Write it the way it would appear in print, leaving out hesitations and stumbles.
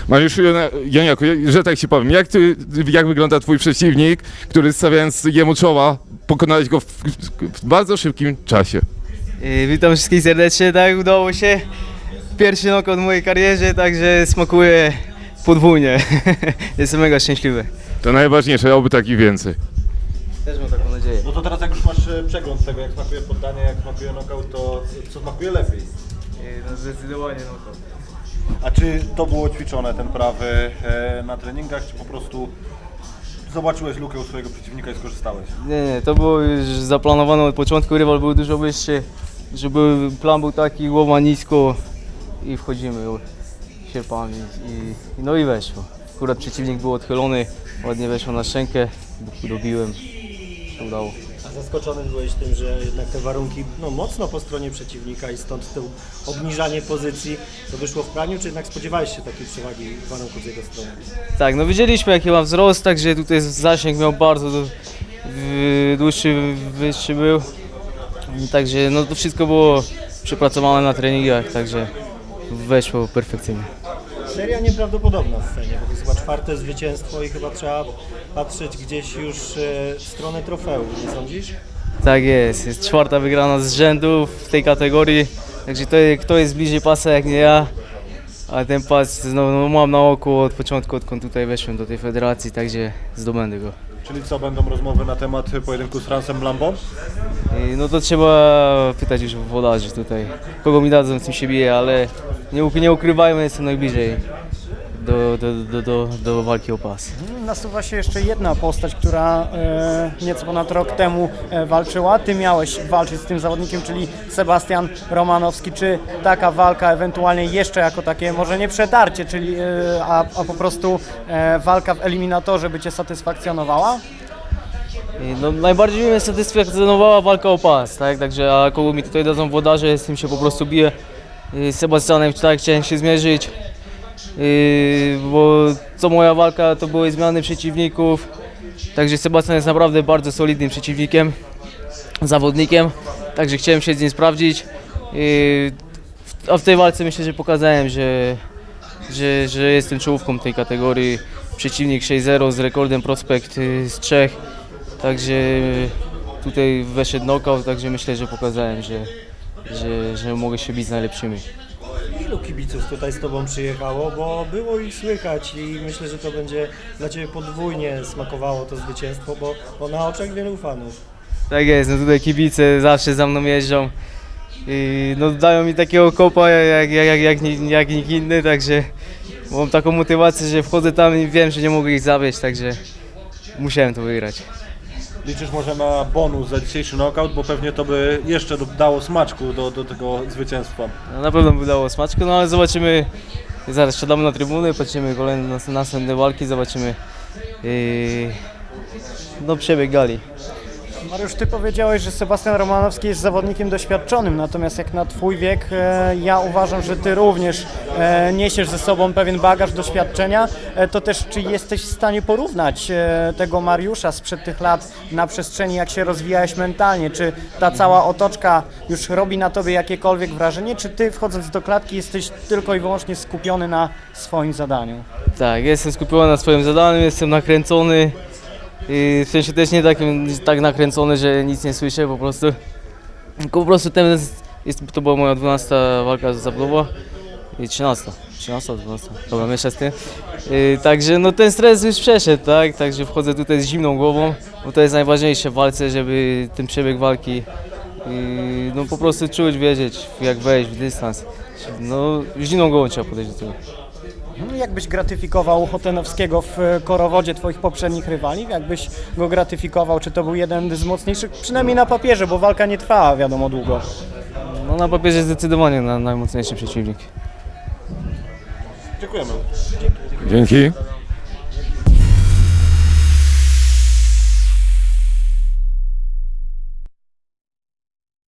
Mariuszu Janiaku, że tak ci powiem, jak wygląda twój przeciwnik, który stawiając jemu czoła, pokonałeś go w bardzo szybkim czasie? Witam wszystkich serdecznie, tak udało się. Pierwszy knockout w mojej karierze, także smakuje podwójnie. Jestem mega szczęśliwy. To najważniejsze, oby takich więcej. Też mam taką nadzieję. No to teraz jak już masz przegląd tego, jak smakuje poddanie, jak smakuje knockout, to co smakuje lepiej? No zdecydowanie knockout. A czy to było ćwiczone, ten prawy na treningach, czy po prostu zobaczyłeś lukę u swojego przeciwnika i skorzystałeś? Nie, to było już zaplanowane od początku, rywal był dużo wyższy, żeby plan był taki, głowa nisko i wchodzimy sierpami no i weszło. Akurat przeciwnik był odchylony, ładnie weszło na szczękę, dobiłem, się udało. A zaskoczony byłeś tym, że jednak te warunki mocno po stronie przeciwnika i stąd to obniżanie pozycji to wyszło w praniu, czy jednak spodziewałeś się takiej przewagi warunków z jego strony? Tak, no widzieliśmy jaki ma wzrost, także tutaj zasięg miał bardzo dłuższy, wyższy był. Także no to wszystko było przepracowane na treningach, także weszło perfekcyjnie. Seria nieprawdopodobna w scenie, bo to jest chyba 4. zwycięstwo i chyba trzeba patrzeć gdzieś już w stronę trofeum, nie sądzisz? Tak jest 4. wygrana z rzędu w tej kategorii, także kto jest bliżej pasa jak nie ja, a ten pas no, mam na oku od początku, odkąd tutaj weszłem do tej federacji, także zdobędę go. Czyli co, będą rozmowy na temat pojedynku z Francem Lambą? No to trzeba pytać już włodarzy tutaj, kogo mi dadzą, z tym się bije, ale nie ukrywajmy, jestem najbliżej do walki o pas. Nasuwa się jeszcze jedna postać, która nieco ponad rok temu walczyła. Ty miałeś walczyć z tym zawodnikiem, czyli Sebastian Romanowski. Czy taka walka ewentualnie jeszcze jako takie, może nie przetarcie, czyli, a po prostu walka w eliminatorze by Cię satysfakcjonowała? No, najbardziej mnie satysfakcjonowała walka o pas, tak? Także a kogo mi tutaj dadzą włodarze, z tym się po prostu biję. Z Sebastianem chciałem się zmierzyć, bo co moja walka to były zmiany przeciwników. Także Sebastian jest naprawdę bardzo solidnym przeciwnikiem, zawodnikiem, także chciałem się z nim sprawdzić. A w tej walce myślę, że pokazałem, że jestem czołówką tej kategorii. Przeciwnik 6-0 z rekordem prospekt z Czech. Także tutaj weszedł knockout, także myślę, że pokazałem, że mogę się bić z najlepszymi. Ilu kibiców tutaj z Tobą przyjechało, bo było ich słychać i myślę, że to będzie dla Ciebie podwójnie smakowało to zwycięstwo, bo na oczach wielu fanów. Tak jest, no tutaj kibice zawsze za mną jeżdżą. No dają mi takiego kopa jak nikt inny, także mam taką motywację, że wchodzę tam i wiem, że nie mogę ich zawieść, także musiałem to wygrać. Liczysz może na bonus za dzisiejszy knockout, bo pewnie to by jeszcze dało smaczku do tego zwycięstwa. No, na pewno by dało smaczku, no ale zobaczymy, zaraz siadamy na trybuny, patrzymy kolejne następne walki, zobaczymy no przebieg gali. Mariusz, Ty powiedziałeś, że Sebastian Romanowski jest zawodnikiem doświadczonym, natomiast jak na Twój wiek, ja uważam, że Ty również niesiesz ze sobą pewien bagaż doświadczenia. To też, czy jesteś w stanie porównać tego Mariusza sprzed tych lat na przestrzeni, jak się rozwijałeś mentalnie? Czy ta cała otoczka już robi na Tobie jakiekolwiek wrażenie, czy Ty wchodząc do klatki jesteś tylko i wyłącznie skupiony na swoim zadaniu? Tak, jestem skupiony na swoim zadaniu, jestem nakręcony. W sensie też nie tak nakręcony, że nic nie słyszę, po prostu to była moja 12. walka zawodowa i 13, 12, dobra, mieszać z tym. Także no ten stres już przeszedł, tak, także wchodzę tutaj z zimną głową, bo to jest najważniejsze w walce, żeby ten przebieg walki no po prostu czuć, wiedzieć jak wejść w dystans. No zimną głową trzeba podejść do tego. Jak byś gratyfikował Chotenowskiego w korowodzie Twoich poprzednich rywali? Jak byś go gratyfikował? Czy to był jeden z mocniejszych? Przynajmniej na papierze, bo walka nie trwała wiadomo długo. No na papierze zdecydowanie najmocniejszy przeciwnik. Dziękujemy. Dzięki.